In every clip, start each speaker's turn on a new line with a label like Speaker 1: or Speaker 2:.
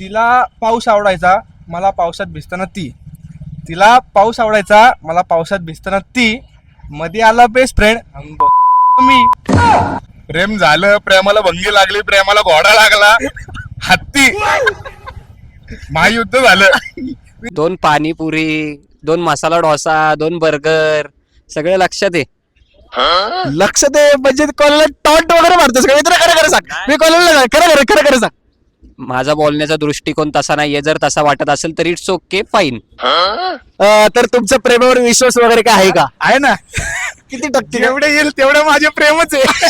Speaker 1: तिला पाऊस आवडायचा, मला पावसात भिजताना ती. तिला पाऊस आवडायचा, मला पावसात भिजताना ती. मध्ये आला बेस्ट फ्रेंड मी.
Speaker 2: प्रेम झालं, प्रेमाला भंगी लागली, प्रेमाला घोडा लागला, हत्ती, महायुद्ध झालं.
Speaker 3: 2 पाणीपुरी, 2 मसाला डोसा, 2 बर्गर, सगळे लक्षात आहे.
Speaker 4: लक्ष दे म्हणजे कॉलेजला टॉन्ट वगैरे मारतोस का मित्र? खरं खरं सांग. मी कॉलेजला खरं खरं सांग.
Speaker 3: माझा बोलण्याचा दृष्टिकोन तसा नाहीये. जर तसा वाटत असेल तर इट्स ओके, फाईन.
Speaker 4: तर तुमच्या प्रेमावर विश्वास वगैरे काय आहे का?
Speaker 1: आहे ना,
Speaker 4: किती टक्के?
Speaker 1: जेवढे येईल तेवढं माझे प्रेमच आहे.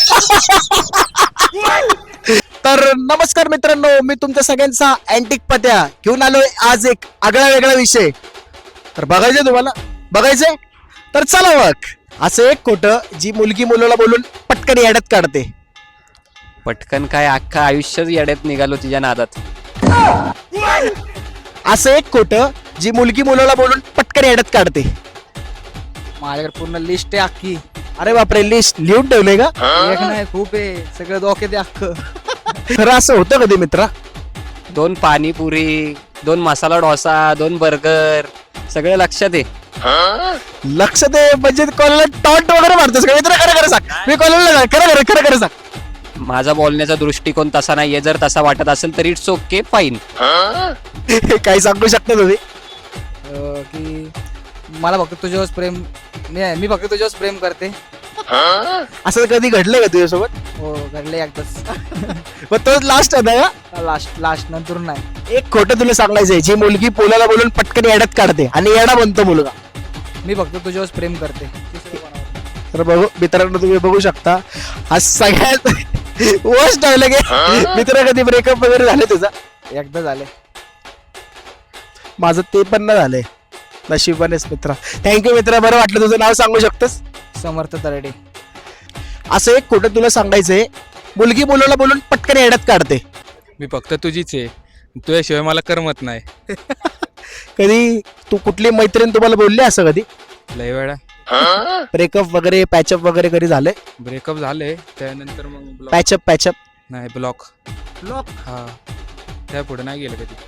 Speaker 4: तर नमस्कार मित्रांनो, मी तुमच्या सगळ्यांचा अँटिक पत्या घेऊन आलोय आज एक आगळा वेगळा विषय. तर बघायचंय तुम्हाला? बघायचंय तर चला मग. असं एक खोटं जी मुलगी मुलाला बोलून पटकन याड्यात काढते.
Speaker 3: पटकन काय, अख्खं आयुष्यच येड्यात निघालो तिच्या नादात.
Speaker 4: असं एक खोटं जी मुलगी मुलाला बोलून पटकन याड्यात काढते.
Speaker 5: माझ्याकडे पूर्ण लिस्ट आहे अख्खी.
Speaker 4: अरे बापरे, लिस्ट लिहून ठेवलंय का?
Speaker 5: एक नाही, खूप आहे. सगळं डोक्यात आहे अख्खं.
Speaker 4: खरं असं होतं कधी मित्रा?
Speaker 3: 2 पाणीपुरी, 2 मसाला डोसा, 2 बर्गर, सगळे लक्षात आहे.
Speaker 4: लक्ष दे म्हणजे कॉलेजला टॉन्ट वगैरे मारतोस का मित्र? खरं खरं सांग. मी कॉलेजला खरं खरं सांग.
Speaker 3: माझा बोलण्याचा दृष्टिकोन तसा नाहीये. जर तसा वाटत असेल तर इट्स ओके, फाईन.
Speaker 4: काही सांगू शकता तुम्ही?
Speaker 5: की मला फक्त तुझ्यावर प्रेम, मी फक्त तुझ्यावर प्रेम करते.
Speaker 4: असं कधी घडलंय का तुझ्यासोबत?
Speaker 5: हो, घडले एकदाच.
Speaker 4: पण तो लास्ट होता का?
Speaker 5: लास्ट नंतर नाही.
Speaker 4: एक खोटं तुला सांगायचंय जी मुलगी पोलाला बोलून पटकन येड्यात काढते आणि येडा बनतो मुलगा.
Speaker 5: मी फक्त तुझ्यावर प्रेम करते.
Speaker 4: तर बघू मित्रांनो, तुम्ही बघू शकता हा सगळ्यात वर्स्ट डायलॉग आहे. मित्र कधी ब्रेकअप वगैरे झाले तुझा?
Speaker 5: एकदा झाले.
Speaker 4: माझं ते पण नाही झालंय, नशिबानेच मित्रा. थँक्यू मित्रा, बरं वाटलं. तुझं नाव सांगू शकतस?
Speaker 5: समर्थ तरडे.
Speaker 4: असं एक खोटं तुला सांगायचंय मुलगी मुलाला बोलून पटकन येड्यात काढते.
Speaker 1: मी फक्त तुझीच आहे, तुझ्याशिवाय मला करमत नाही.
Speaker 4: कधी तू कुठली मैत्रीण तुम्हाला बोलली असं कधी?
Speaker 1: लय वेळा
Speaker 4: ब्रेकअप वगैरे पॅचअप वगैरे कधी झालंय?
Speaker 1: ब्रेकअप झाले, त्यानंतर मग ब्लॉक.
Speaker 4: पॅचअप
Speaker 1: नाही, ब्लॉक. हा, त्या पुढे नाही गेलं कधी.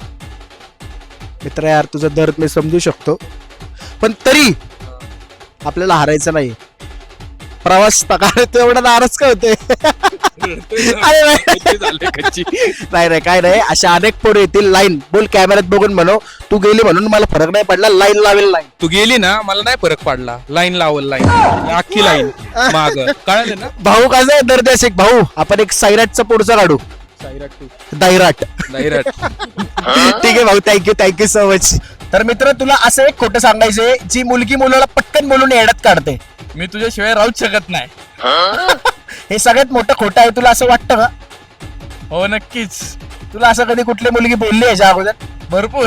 Speaker 4: मित्र यार, तुझा दर्द मी समजू शकतो, पण तरी आपल्याला हारायचं नाही. प्रवास एवढा नाराज का होते? नाही नाही, काय नाही. अशा अनेक पोरं येतील. लाईन बोल कॅमेऱ्यात बघून म्हणू, तू गेली म्हणून मला फरक नाही पडला, लाईन लावेल. लाईन
Speaker 1: तू गेली ना, मला नाही फरक पडला. लाईन लावल, लाईन अख्खी लाईन माग, कळलं ना?
Speaker 4: भाऊ कसं आहे दर्द एक भाऊ. आपण एक सायराटचा पुढचा काढू. दायराट. ठीक आहे भाऊ, थँक्यू सो मच. तर मित्र, तुला असं एक खोटं सांगायचंय जी मुलगी मुलाला पटकन बोलून येड्यात काढते.
Speaker 1: मी तुझ्याशिवाय राहूच शकत नाही.
Speaker 4: हे सगळ्यात मोठं खोटं आहे, तुला असं वाटतं का?
Speaker 1: हो, नक्कीच.
Speaker 4: तुला असं कधी कुठली मुलगी बोलली याच्या अगोदर?
Speaker 1: भरपूर.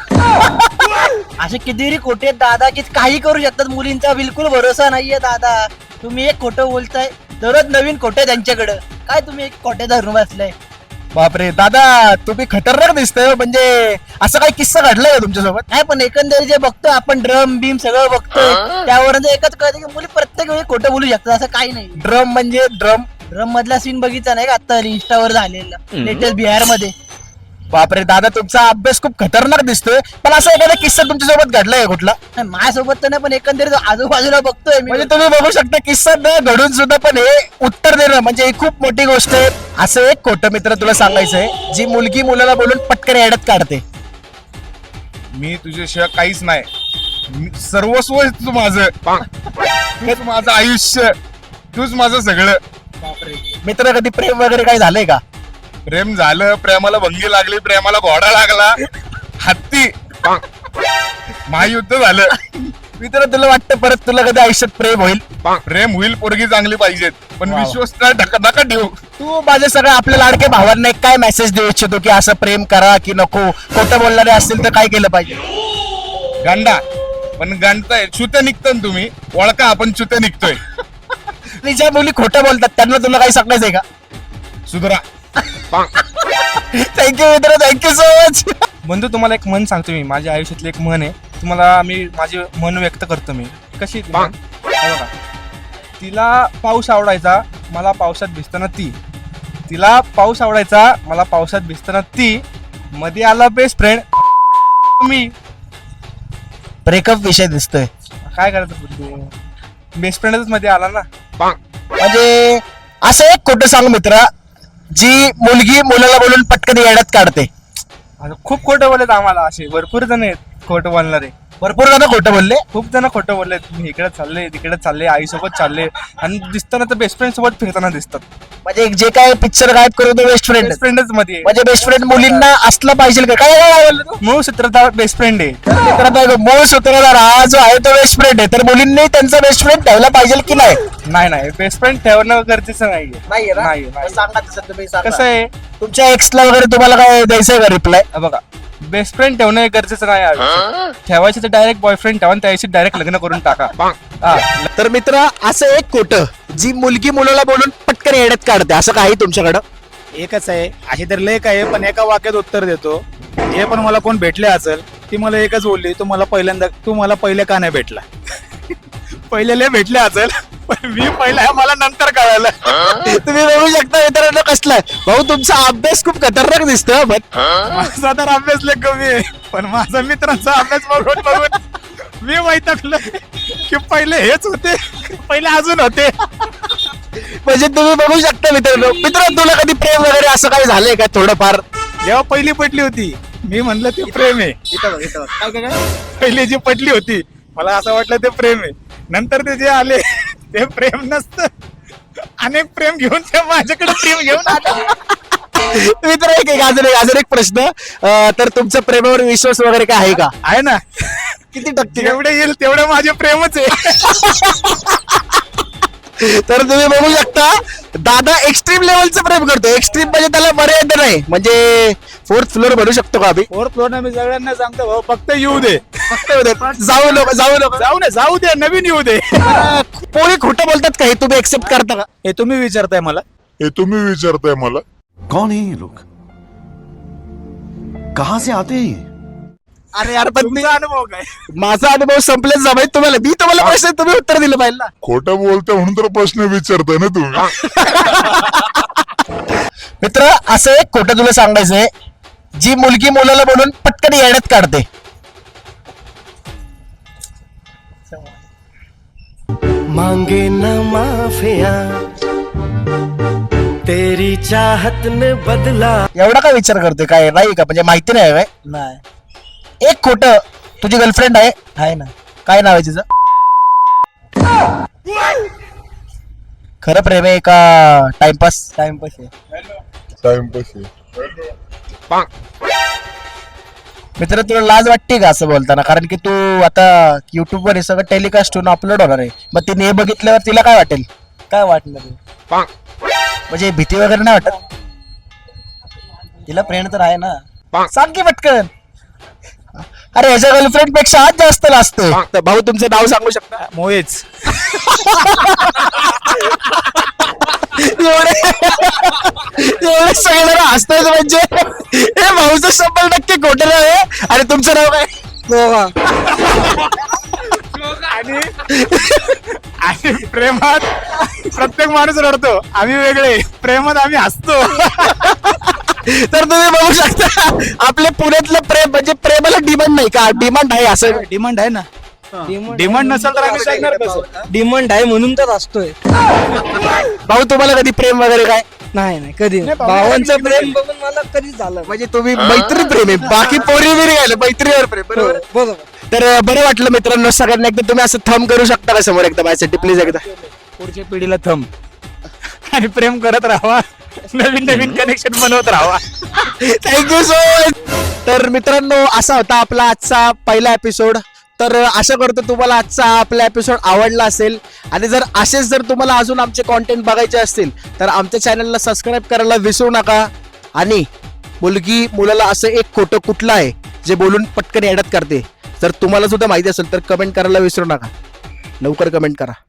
Speaker 6: असे कितीतरी खोटे आहेत दादा, की काही करू शकतात. मुलींचा बिलकुल भरोसा नाहीये दादा. तुम्ही एक खोटं बोलताय, दररोज नवीन खोटे त्यांच्याकडं. काय तुम्ही एक खोटे धरून बसलाय?
Speaker 4: बापरे दादा, तुम्ही खतरनाक दिसतंय. म्हणजे असं काही किस्सा घडलाय का तुमच्यासोबत?
Speaker 6: नाही, पण एकंदरीत जे बघतो आपण, ड्रम बीम सगळं बघतोय, त्यावरून एकच कळतं की मुली प्रत्येक वेळी खोटं बोलू शकतात. असं काही नाही.
Speaker 4: ड्रम म्हणजे ड्रम?
Speaker 6: ड्रम मधला सीन बघितला नाही का आता इंस्टावर झालेला, लेटेस्ट बिहार मध्ये.
Speaker 4: बापरे दादा, तुमचा अभ्यास खूप खतरनाक दिसतोय. पण असा एखादा किस्सा तुमच्यासोबत घडलाय कुठला?
Speaker 6: नाही, माझ्यासोबत तर नाही, पण एकंदरीत आजूबाजूला बघतोय मी.
Speaker 4: म्हणजे तुम्ही बघू शकता किस्सा न घडून सुद्धा पण हे उत्तर देणं म्हणजे ही खूप मोठी गोष्ट आहे. असं एक खोटं मित्र तुला सांगायचंय जी मुलगी मुलाला बोलून पटकन येड्यात काढते.
Speaker 2: मी तुझ्याशिवाय काहीच नाही, सर्वस्व आहेस तू माझं. तूच माझं आयुष्य, तूच माझं सगळं.
Speaker 4: मित्र, कधी प्रेम वगैरे काय झालंय का?
Speaker 2: प्रेम झालं, प्रेमाला भंगी लागली, प्रेमाला घोडा लागला, हत्ती, महायुद्ध झालं.
Speaker 4: मित्र, तुला वाटतं परत तुला कधी आयुष्यात प्रेम होईल?
Speaker 2: प्रेम होईल, पोरगी चांगली पाहिजेत, पण विश्वास नका ठेवू.
Speaker 4: तू माझ्या सगळ्या आपल्या लाडके भावांना एक काय मेसेज देऊ इच्छितो की असं प्रेम करा की नको? खोटं बोलणारे असतील तर काय केलं पाहिजे?
Speaker 2: गांडा, पण गांडताय चुत्या निघतं ना तुम्ही, ओळखा आपण चुत्या निघतोय.
Speaker 4: आणि ज्या मुली खोटं बोलतात त्यांना तुला काही सांगायचंय का?
Speaker 2: सुधरा.
Speaker 4: थँक्यू मित्र, थँक्यू सो मच.
Speaker 1: बंधू, तुम्हाला एक म्हण सांगतो मी. माझ्या आयुष्यातली एक म्हण आहे, तुम्हाला मी माझे मन व्यक्त करतो. मी कशी ती म्हण? हे बघा. तिला पाऊस आवडायचा, मला पावसात भिजताना ती. तिला पाऊस आवडायचा, मला पावसात भिजताना ती. मध्ये आला बेस्ट फ्रेंड मी
Speaker 6: ब्रेकअप विषय दिसतोय.
Speaker 1: काय करायचं बेस्ट फ्रेंडच मध्ये आला ना.
Speaker 6: म्हणजे असं एक खोटं सांग मित्रा, जी मुलगी मुलाला बोलून पटकन येड्यात काढते.
Speaker 1: आता खूप खोटं बोलत आम्हाला, असे भरपूर जण आहेत खोटं बोलणारे.
Speaker 6: भरपूर जण खोटं बोलले.
Speaker 1: खूप जण खोटं बोललेत. मी इकडे चालले तिकडे चालले, आईसोबत चालले आणि दिसताना तर बेस्ट फ्रेंड सोबत फिरताना दिसतात.
Speaker 6: म्हणजे जे काय पिक्चर गायब करू तो बेस्ट फ्रेंड.
Speaker 1: बेस्ट फ्रेंडच मध्ये
Speaker 6: म्हणजे बेस्ट फ्रेंड मुलींना असला पाहिजे का? काय काय बोललो तू?
Speaker 1: मूळ सूत्रधार बेस्ट फ्रेंड आहे.
Speaker 6: मित्रांनो, मूळ सूत्रधार हा जो आहे तो बेस्ट फ्रेंड आहे. तर मुलींनी त्यांचा बेस्ट फ्रेंड ठेवला पाहिजे की नाही?
Speaker 1: नाही बेस्ट फ्रेंड ठेवणं गरजेचं नाहीये. नाही.
Speaker 6: सांगा तसं तुम्ही सांगा.
Speaker 1: कसं आहे
Speaker 6: तुमच्या एक्सला वगैरे तुम्हाला काय द्यायचंय का रिप्लाय?
Speaker 1: बघा, बेस्ट फ्रेंड ठेवणं हे गरजेचं नाही आहे. ठेवायचं तर डायरेक्ट बॉयफ्रेंड ठेवा आणि त्याशी डायरेक्ट लग्न करून टाका. हा.
Speaker 4: तर मित्र असं एक खोटं जी मुलगी मुलाला बोलून पटकन येड्यात काढते, असं काही तुमच्याकडं?
Speaker 7: एकच आहे, अशी तर लेख आहे, पण एका वाक्यात उत्तर देतो. हे पण मला कोण भेटले असेल, ती मला एकच बोलली, तू मला पहिले का नाही भेटला? पहिले लय भेटले असेल, पण मी पहिला मला नंतर कळालं.
Speaker 4: तुम्ही बघू शकता मित्रांनो कसलाय भाऊ, तुमचा अभ्यास खूप खतरनाक दिसतो.
Speaker 7: माझा तर अभ्यास लय कमी आहे, पण माझा मित्रांचा अभ्यास बघून मी वैतागलो की पहिले हेच होते, पहिले अजून होते.
Speaker 4: म्हणजे तुम्ही बघू शकता मित्रांनो, तुला कधी प्रेम वगैरे असं काही झालंय का थोडंफार?
Speaker 7: जेव्हा पहिली पटली होती, मी म्हणलं ते प्रेम आहे. पहिली जी पटली होती, मला असं वाटलं ते प्रेम आहे. नंतर ते जे आले ते प्रेम नसतं, अनेक प्रेम घेऊन ते माझ्याकडे प्रेम घेऊन आले.
Speaker 4: मित्र अजून एक प्रश्न, तर तुमच्या प्रेमावर विश्वास वगैरे काय आहे का?
Speaker 7: आहे ना,
Speaker 4: किती टक्के?
Speaker 7: जेवढे येईल तेवढे माझे प्रेमच आहे.
Speaker 4: तर तुम्ही बघू शकता दादा एक्स्ट्रीम लेवलचं प्रेम करतो. एक्स्ट्रीम म्हणजे त्याला मर्यादा नाही, म्हणजे 4th फ्लोअर भरू शकतो का आम्ही?
Speaker 7: 4th फ्लोअर मी सगळ्यांना सांगतो, भाऊ फक्त येऊ दे,
Speaker 4: जाऊ
Speaker 7: दे, नवीन येऊ दे.
Speaker 4: पोरी खोटं बोलतात का? हे तुम्ही एक्सेप्ट करता का?
Speaker 7: हे तुम्ही विचारताय मला.
Speaker 8: कौन है ये लोग? कहां से आते हैं ये?
Speaker 4: अरे यार, पण
Speaker 7: तुमचा अनुभव काय?
Speaker 4: माझा अनुभव संपलेच जा भाई. मी तुम्हाला प्रश्न तुम्ही उत्तर दिलं पाहिजे ना.
Speaker 2: खोटं बोलतोय म्हणून तर प्रश्न विचारताय ना तुम्ही.
Speaker 6: मित्र, असं एक खोटं तुला सांगायचंय, जी मुलगी मुलाला बोलून पटकन येड्यात काढते.
Speaker 8: मांगे न माफिया तेरी चाहत ने बदला.
Speaker 6: एवढा काय विचार करतोय? काय नाही का? म्हणजे माहिती नाही काय? नाही. एक खोटं, तुझी गर्लफ्रेंड आहे ना? काय नाव आहे तिचं? खरं प्रेम आहे का टाइमपास? टाइमपास आहे. मित्र, तुला लाज वाटते का असं बोलताना? कारण की तू आता युट्यूब वर हे सगळं टेलिकास्ट होऊन अपलोड होणार आहे. मग तिने हे बघितल्यावर तिला काय वाटेल? काय वाटणार? म्हणजे भीती वगैरे नाही वाटत? तिला फ्रेंड तर आहे ना? सांग की पटकन. अरे ह्याच्या गर्लफ्रेंड पेक्षा आज जास्त लाजतो.
Speaker 4: तर भाऊ तुमचं नाव सांगू शकता?
Speaker 7: मोहेच.
Speaker 4: एवढे सगळं हसतायच म्हणजे हे भाऊचं 100% खोटं नाव आहे. आणि तुमचं नाव काय?
Speaker 7: आणि प्रेमात प्रत्येक माणूस रडतो, आम्ही वेगळे. प्रेमात आम्ही हसतो.
Speaker 4: तर तुम्ही बघू शकता आपले पुण्यातलं प्रेम म्हणजे प्रेमाला डिमांड नाही का? डिमांड आहे असं?
Speaker 7: डिमांड आहे ना. डिमांड नसेल तर आम्ही सांगणार कसं?
Speaker 5: डिमांड आहे म्हणून तर असतोय.
Speaker 4: भाऊ तुम्हाला कधी प्रेम वगैरे काय?
Speaker 5: नाही कधी भावांचं प्रेम बघून मला कधीच झालं.
Speaker 4: म्हणजे तुम्ही मैत्री प्रेम आहे, बाकी पोरी बिरी काय मैत्रीवर प्रेम, बरोबर?
Speaker 5: बरोबर.
Speaker 4: तर बरं वाटलं मित्रांनो सगळ्यांना. एकदा तुम्ही असं थंब करू शकता का समोर एकदा माझ्यासाठी प्लीज? एकदा
Speaker 7: पुढच्या पिढीला थंब आणि प्रेम करत राहावा, नवीन कनेक्शन बनवत राहावा.
Speaker 4: Thank you so much. तर मित्रांनो असा होता आपला आजचा पहिला एपिसोड. तर आशा करतो तुम्हाला आजचा आपला एपिसोड आवडला असेल. आणि जर असेच जर तुम्हाला अजून आमचे कॉन्टेंट बघायचे असतील तर आमच्या चॅनलला सबस्क्राईब करायला विसरू नका. आणि मुलगी मुलाला असं एक खोटं कुठलं आहे जे बोलून पटकन येड्यात करते, जर तुम्हाला सुद्धा माहिती असेल तर कमेंट करायला विसरू नका. लवकर कमेंट करा.